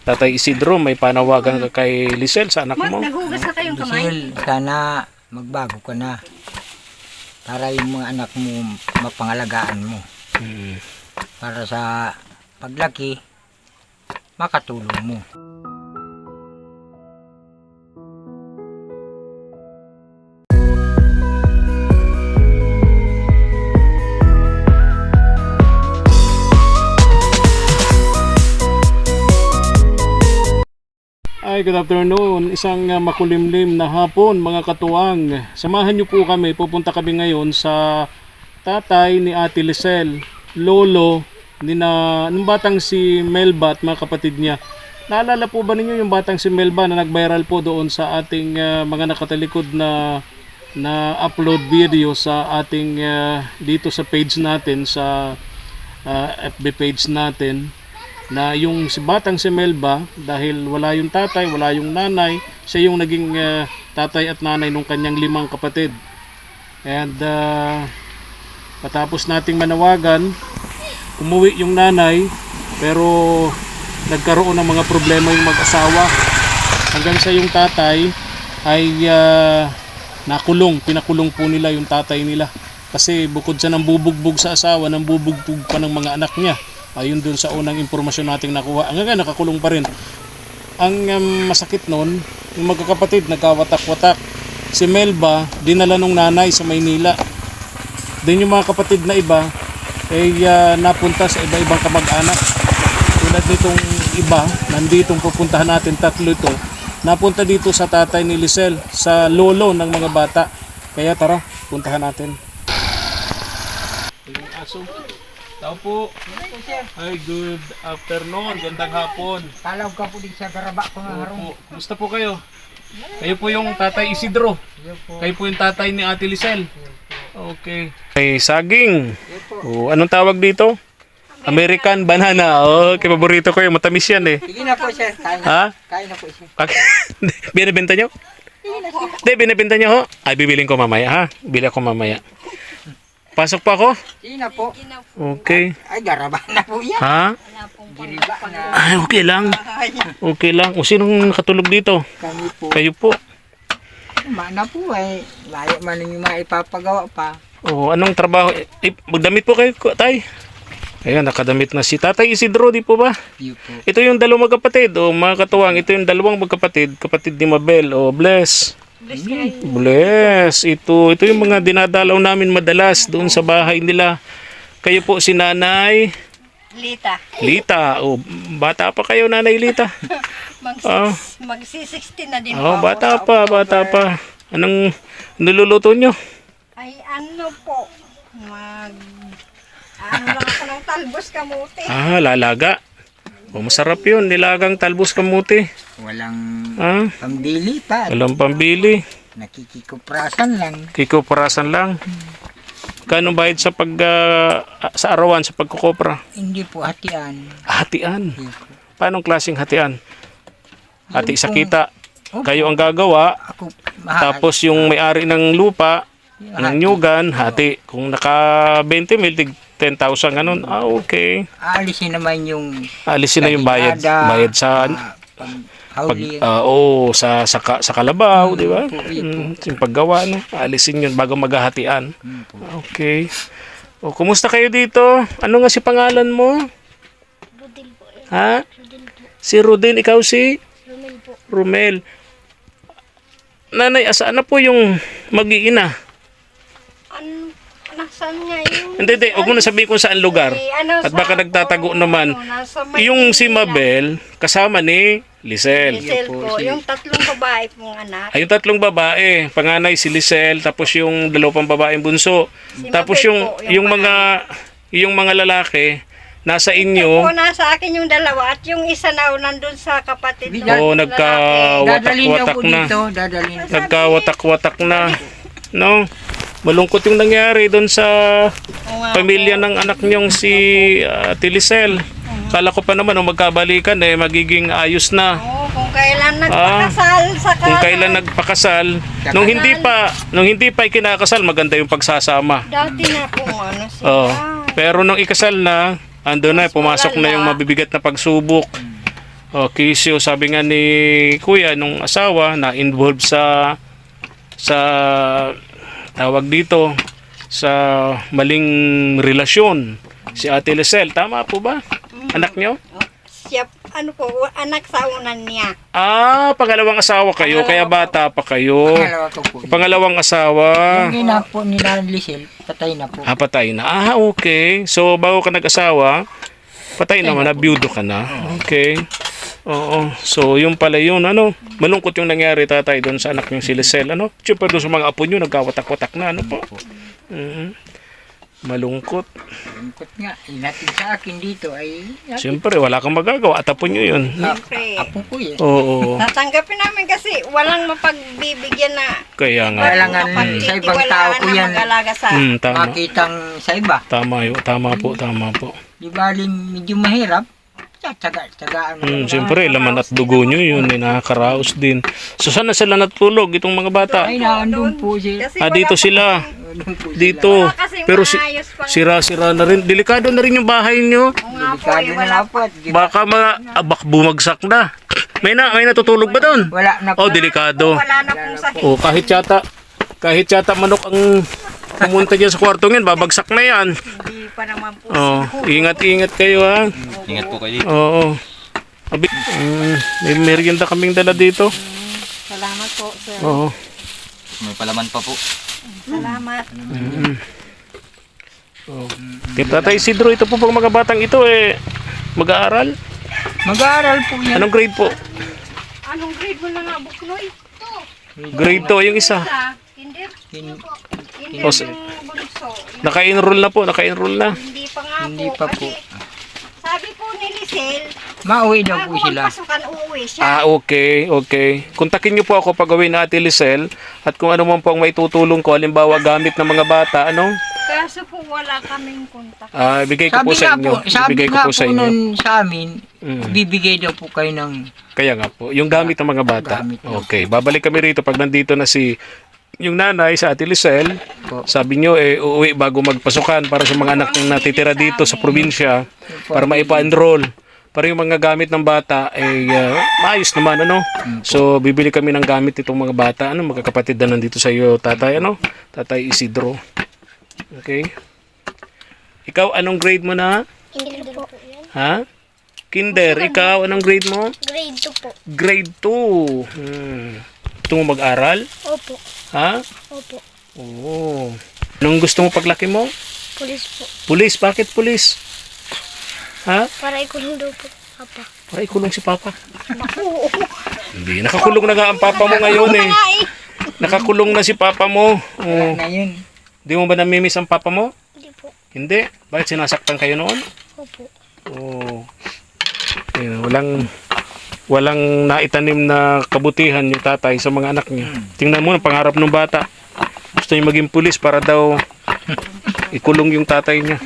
Tatay Isidro, may panawagan ka kay Lisel sa anak mo. Naghugas na kayong kamay? Giselle, sana magbago ka na. Para yung mga anak mo mapangalagaan mo. Para sa paglaki, makatulong mo. Ay, good afternoon. Isang makulimlim na hapon, mga katuwang. Samahan niyo po kami. Pupunta kami ngayon sa tatay ni Ate Lisel, lolo nung batang si Melba at mga kapatid niya. Naalala po ba ninyo yung batang si Melba na nag-viral po doon sa ating mga nakatalikod na upload video sa ating dito sa page natin, sa FB page natin, na yung si batang si Melba, dahil wala yung tatay, wala yung nanay, siya yung naging tatay at nanay ng kanyang 5 kapatid. And patapos nating manawagan, umuwi yung nanay, pero nagkaroon ng mga problema yung mag-asawa hanggang sa yung tatay ay pinakulong po nila yung tatay nila, kasi bukod sa nang bubugbog sa asawa, nang bubugbog pa ng mga anak niya. Ayun dun sa unang impormasyon nating nakuha. Ang nga nakakulong pa rin. Ang masakit nun, yung magkakapatid nagkawatak-watak. Si Melba dinala nung nanay sa Maynila. Din yung mga kapatid na iba ay napunta sa iba-ibang kamag-anak. Tulad nitong iba, nanditong pupuntahan natin, 3 ito. Napunta dito sa tatay ni Lisel, sa lolo ng mga bata. Kaya tara, puntahan natin. Yung aso. Tao po. Ay, good afternoon. Gandang hapon. Talawag ka po din sa garaba ko nga harong. Kumusta po kayo? Kayo po yung tatay Isidro. Kayo po yung tatay ni Ate Lisel. Okay. Ay, saging. Anong tawag dito? American banana. Okay, paborito ko yung matamis yan eh. Sige na po sir, kain na. Ha? Kain na po sir. Binibenta nyo? Hindi, binibenta nyo ho? Ay, bibiling ko mamaya ha? Bili ako mamaya. Pasok pa ako? Sige na po. Okay. Ay, garaba na po yan. Ha? Giriba na. Ay, okay lang. Okay lang. O sinong nakatulog dito? Kami po. Kayo po. Mana po ay. Layo man yung mga ipapagawa pa. O, anong trabaho? Magdamit po kayo, tay. Ayan, nakadamit na si Tatay Isidro, di po ba? Iyo po. Ito yung 2 magkapatid. O, mga katuwang, ito yung 2 magkapatid. Kapatid ni Mabel. O, bless. Bless. Ito yung mga dinadalaw namin madalas doon sa bahay nila. Kayo po si Nanay Lita. O, bata pa kayo, Nanay Lita. Magsi-16 na din Oh, po. bata pa. Anong niluluto nyo? Ay ano po, ano lang ako ng talbos kamuti. Lalaga. O, masarap yun, nilagang talbos kamuti. Walang pambili pa. Walang pambili. Nakikikuprasan lang. Kikoperasan lang. Kano bayad sa sa arawan, sa pagkukopra? Hindi po hatian. Hatian. Iyo po. Paanong klaseng hatian? Hati sa Yung kita. Kayo ang gagawa. Ako, Tapos yung may-ari ng lupa, ng nyugan, hati. Kung naka 20 mil, 10,000 ganun. Okay. aalisin naman yung Alisin na yung bayad. kadilada, Bayad sa hauling. sa kalabaw, di ba? Yun Yung paggawa, no? Alisin yun bago maghahatian. Okay. O, kumusta kayo dito? Ano nga si pangalan mo? Budil po. Ha? Si Rodin, ikaw si? Rumel po. Romel. Nanay, asaan na po yung mag-iina? Nasaan nga yung... Hindi. Huwag mo na sabihin kung saan lugar. At baka nagtatago naman. Yung si Mabel, kasama ni Lisel. Lisel po. Yung 3 babae pong anak. Ay, yung 3 babae. Panganay si Lisel, tapos yung 2 babaeng bunso. Si Tapos Mabel yung, po, yung yung mga lalaki, nasa Po, inyo. nasa akin yung 2 at yung isa na nandun sa kapatid. Oo, Dadalhin daw nagkawatak-watak po na. dito. Dadalhin daw. Nagkawatak-watak na. No? Malungkot yung nangyari doon sa pamilya ng anak niyong si Ate Lisel. Kala ko pa naman magkabalikan magiging ayos na. Oo, kung kailan nagpakasal sa Kung kailan nagpakasal, nung hindi pa ikinakasal, maganda yung pagsasama. Dati na kung ano sila. Pero nung ikasal na, ando na, pumasok na yung mabibigat na pagsubok. Oh, Kisyo, sabi nga ni Kuya nung asawa na involved sa tawag dito sa maling relasyon si Ate Lisel. Tama po ba? Anak nyo? Siya, anak sa unan niya. Pangalawang asawa kayo, kaya bata pa kayo. Pangalawa ko po. Pangalawang asawa. Yung ina po ni Lisel, patay na po. Patay na. Okay. So, bago ka nag-asawa, patay naman na, byudo ka na. Okay. Oo. So, yung pala yun, malungkot yung nangyari, tatay, doon sa anak yung si Lisel, Siyempre doon sa mga apo nyo, nagkawatak-watak na, po. Malungkot. Lungkot nga, inatid sa akin dito ay... Siyempre, wala kang magagawa, at apo nyo yun. Siyempre. Apo ko yun. Oo. Tatanggapin namin kasi walang mapagbibigyan na Kaya nga. Kailangan sa ibang tao ko yan mag-alaga sa... Tama. makitang sa iba. Tama yun. Tama po. Di baling medyo mahirap, tsagaan mo. Siyempre, laman at dugo nyo yun, nakakaraos din. So, saan na sila natulog, itong mga bata? Ay, naandun po siya. Kasi Dito sila. Dito. Pero sira-sira na rin. Delikado na rin yung bahay nyo. Delikado na po. Baka mga bumagsak na. May natutulog ba doon? Wala na po. Oh, delikado. Wala na pong sakit. Oh, kahit yata manok ang pumunta dyan sa kwartong yan, babagsak na yan. Hindi pa naman po. Oh, ingat-ingat kayo ha. Ingat po kayo dito. Oo. May merienda kaming dala dito. Salamat po, sir. Oo. May palaman pa po. Salamat. Oh. Tatay Isidro, ito po pang mga batang ito mag-aaral. Mag-aaral po yan. Anong grade po? Anong grade mo na nga, Buknoy? Grade 2 yung isa. Kinder? Hin- Kinder Oh, yung bunso. Naka-enroll na po, naka-enroll na. Hindi pa nga Hindi po. pa po. Kasi sabi po ni Lisel, Mauwi daw po bago sila. magpasukan, uuwi siya. Okay. Kontakin niyo po ako pag gawin na Ate Lisel at kung ano man po ang maitutulong ko, halimbawa gamit ng mga bata, Kaso po wala kaming kontak. Bigay ko po sa inyo. Sabi Ibigay ko nga po sa po inyo. nun sa amin, bibigay daw po kayo ng... Kaya nga po, yung gamit ng mga bata. Gamit na. Okay, babalik kami rito pag nandito na yung nanay sa Ate Lisel. Po. Sabi nyo, uuwi bago magpasukan para sa mga anak na natitira dito sa probinsya para maipa-enroll. Para yung mga gamit ng bata maayos naman, So, bibili kami ng gamit itong mga bata, magkakapatid na nandito sa iyo, tatay, Tatay Isidro. Okay? Ikaw, anong grade mo na? Kinder po. Ha? Kinder, ikaw, anong grade mo? Grade 2 po. Grade 2. Gusto mo mag-aral? Opo. Ha? Opo. Oo. Anong gusto mo paglaki mo? Pulis po. Pulis. Bakit pulis? Ha? Para ikulong daw po. Papa. Para ikulong si Papa. Hindi. Nakakulong na nga ang Papa mo ngayon eh. Nakakulong na si Papa mo. Oo. Na yun. Di mo ba namimiss ang Papa mo? Hindi po. Hindi. Bakit sinasaktan kayo noon? Opo. Oo. Walang naitanim na kabutihan yung tatay sa mga anak niya. Tingnan mo ang pangarap ng bata. Gusto niya maging pulis para daw ikulong yung tatay niya.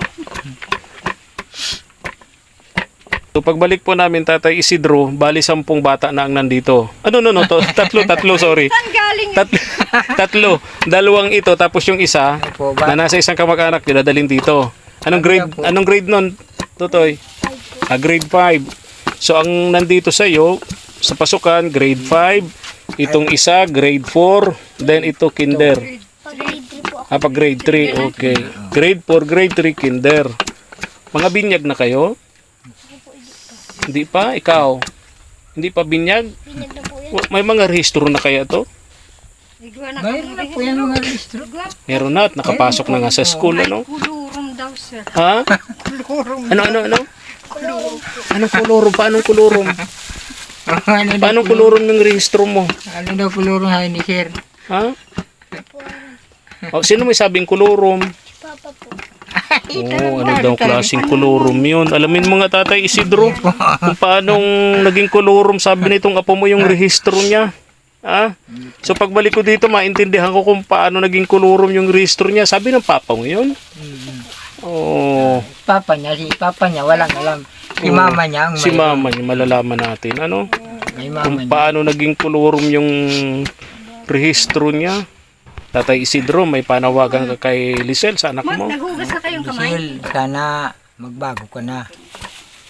So pagbalik po namin, Tatay Isidro, bali 10 bata na ang nandito. Tatlo, sorry. Saan galing? Tatlo. Dalawang ito, tapos yung isa Opo, ba? na nasa isang kamag-anak, dinadalhin dito. Anong grade nun, Totoy? Grade 5. So ang nandito sa iyo, sa pasukan, grade 5. Itong isa, grade 4. Then ito, kinder. Pag grade 3 po ako. Pag grade 3, okay. Grade 4, grade 3, kinder. Mga binyag na kayo? Hindi pa? Ikaw? Hindi pa binyag? Binyag na po yan. May mga rehistro na kaya to? Igwa na Mayroon na po yan mga registro. Meron na at nakapasok na nga sa school, Kulurum daw, sir. Ha? Ano? Anong kulurum? Paanong kulurum? Paanong kulurum yung rehistro mo? Ano daw kulurong hain ni Sir? Ha? Sino may sabing kulurum? Si Papa po. Ano daw klaseng kulurum yun? Alamin mo nga, Tatay Isidro, kung paanong naging kulurum, sabi nitong apo mo yung rehistro niya. So pagbalik ko dito, maintindihan ko kung paano naging kulurum yung rehistro niya. Sabi ng papa mo yun? Oh, Papa niya, walang alam. Si mama niya ang si mama niya, malalaman natin. May mama Kung niya. paano naging kulurum yung rehistro niya. Tatay Isidro, may panawagan ka kay Lisel sa anak mo. Naghugas na kayong kamay? Giselle, sana magbago ka na.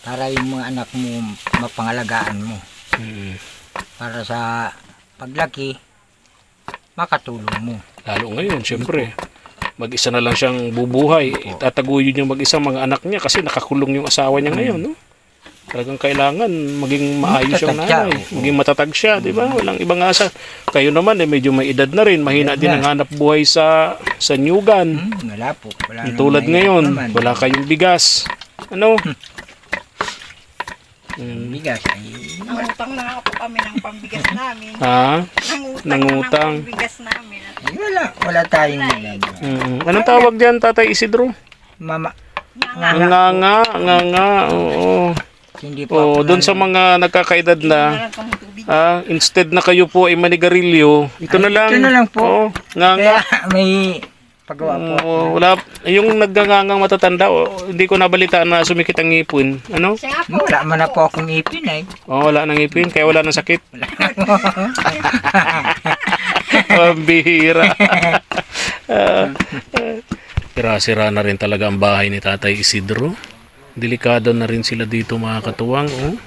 para yung mga anak mo mapangalagaan mo. Mm. Para sa paglaki, makatulong mo. Lalo ngayon, siyempre. Mag-isa na lang siyang bubuhay. Tataguyod yung mag-isang mga anak niya kasi nakakulong yung asawa niya ngayon, no? Talagang kailangan maging maayos yung Matatag siya, nanay. oo. Maging matatag siya, di ba? Walang ibang asa. Kayo naman, medyo may edad na rin. Mahina din ang hanap buhay sa nyugan. Wala po. Wala Yung tulad namang ngayon, naman. wala kayong bigas. Ano? Bigas ay Nangutang na nga po kami ng pambigas namin. Ha? Nangutang Nangutang. na ng pambigas namin. ay, wala tayong nilalaman. Anong tawag diyan, Tatay Isidro? Mama, Nga, oo. hindi po Oo, ako doon sa mga nagkakaedad na, Meron kang tubig. instead na kayo po ay manigarilyo, ito na lang. ito na lang po. Oo, nga. Kaya may pagawa po. Oo, wala, yung naggangangang matatanda, hindi ko nabalitaan na sumikit ang ngipin. Ano? Siya nga po. Wala man na po akong ipin ay. Wala nang ngipin, kaya wala nang sakit. Pambihira. Sira-sira na rin talaga ang bahay ni Tatay Isidro. Delikado na rin sila dito mga katuwang. Oh.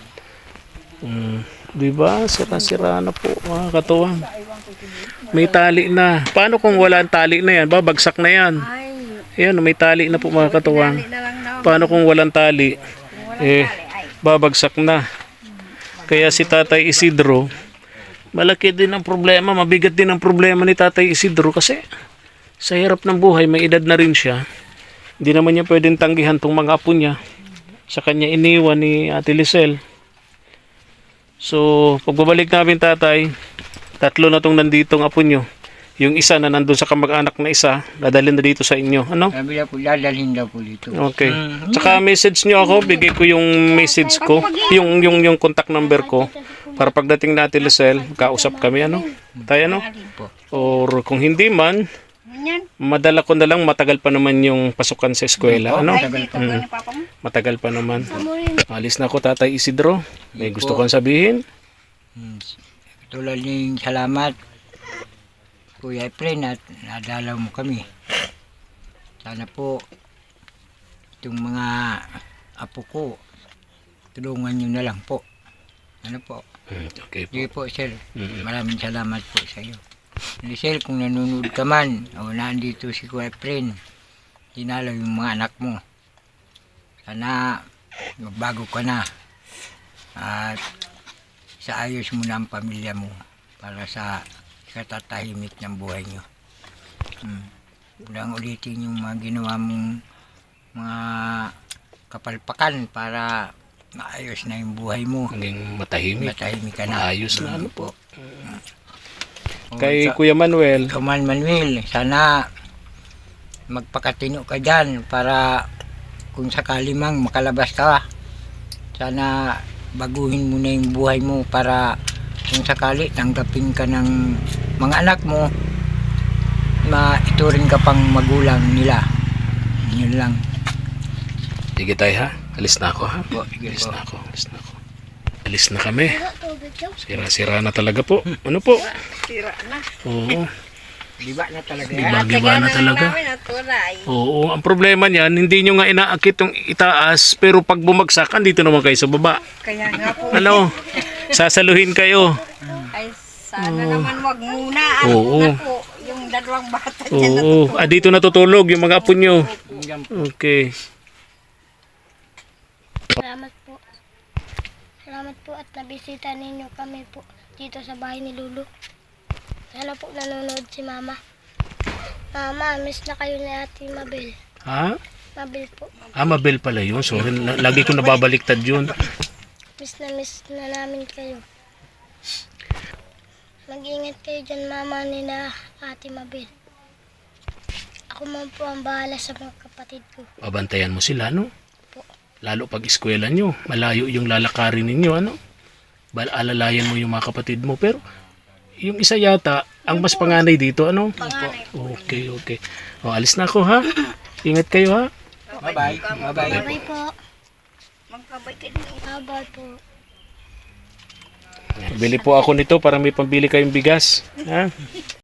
Di ba? Sira-sira na po mga katuwang. May tali na. Paano kung wala ang tali na yan? Babagsak na yan. Ayan, may tali na po mga katuwang. Na lang na. Paano kung walang tali? Babagsak na. Kaya si Tatay Isidro, malaki din ang problema, mabigat din ang problema ni Tatay Isidro kasi sa hirap ng buhay, may edad na rin siya. Hindi naman niya pwedeng tanggihan tong mga apo niya. Sa kanya iniwan ni Ate Lisel. So, pagbabalik namin tatay, 3 na tong nanditong apo nyo. Yung isa na nandun sa kamag-anak na isa, dadalhin na dito sa inyo. Ano? Sabi na po, dadalhin daw po dito. Okay. Tsaka message nyo ako, bigay ko yung message ko, yung contact number ko. Para pagdating na Ate Lisel, kausap kami, ano? Tayo, ano? Or kung hindi man, Yan. madala ko na lang, matagal pa naman yung pasukan sa eskwela, ano? Ay, dito ba ni Papa mo? Matagal pa naman. Alis na ako, Tatay Isidro. May gusto kong sabihin? Tulad ng salamat, Kuya Efren, at nadalaw mo kami. Sana po, itong mga apo ko, tulungan nyo na lang po. Ano po? Okay po. Sige po, sir. Maraming salamat po sa iyo. Lisel, kung nanonood ka man, o nandito si Kuya Efren, dinalaw yung mga anak mo. Sana magbago ka na. At sa ayos mo na ang pamilya mo para sa katatahimik ng buhay nyo. Walang ulitin yung mga ginawa mong mga kapalpakan para maayos na yung buhay mo. Maging matahimik. Matahimik ka na. Maayos na ano po. O, Kay sa- Kuya Manuel, Kaman Manuel, sana magpakatino ka dyan para kung sakali mang makalabas ka, sana baguhin mo na yung buhay mo para kung sakali tanggapin ka ng mga anak mo, maituring ka pang magulang nila. Yun lang. sige tayo ha. Alis na ako ha. Po, sige Alis po. na ako. Alis na ako. Alis na kami. Tubig daw. Sira-sira na talaga po. Ano po? Sira na. Oo. Diba na talaga yan? Giba na talaga. Namin at tulay. Oo. Ang problema niyan, hindi nyo nga inaakit yung itaas, pero pag bumagsak, andito naman kayo sa baba. Kaya nga po. Ano? Sasaluhin kayo. Ay, sana naman wag muna. Oo. Na po, yung dalawang bata dyan na Oo. Dito natutulog yung mga apo nyo. Okay. Salamat po. Salamat po at nabisita ninyo kami po dito sa bahay ni Lulu. Sana po nanonood si Mama. Mama, miss na kayo ni Ate Mabel. Ha? Mabel po. Mabel pala yun. Sorry. Lagi ko nababaliktad yun. Miss na namin kayo. Mag-ingat kayo dyan, Mama, ni na Ate Mabel. Ako man po ang bahala sa mga kapatid ko. Babantayan mo sila, no? Lalo pag eskwela nyo, malayo yung lalakarin ninyo, ano? Alalayan mo yung mga kapatid mo. Pero, yung isa yata, ang mas panganay dito, ano? Okay, okay. O, alis na ako, ha? Ingat kayo, ha? Bye-bye. Bye-bye. Bye po. Magkabay ka din. Bye po. Bili po ako nito para may pambili kayong bigas. Ha?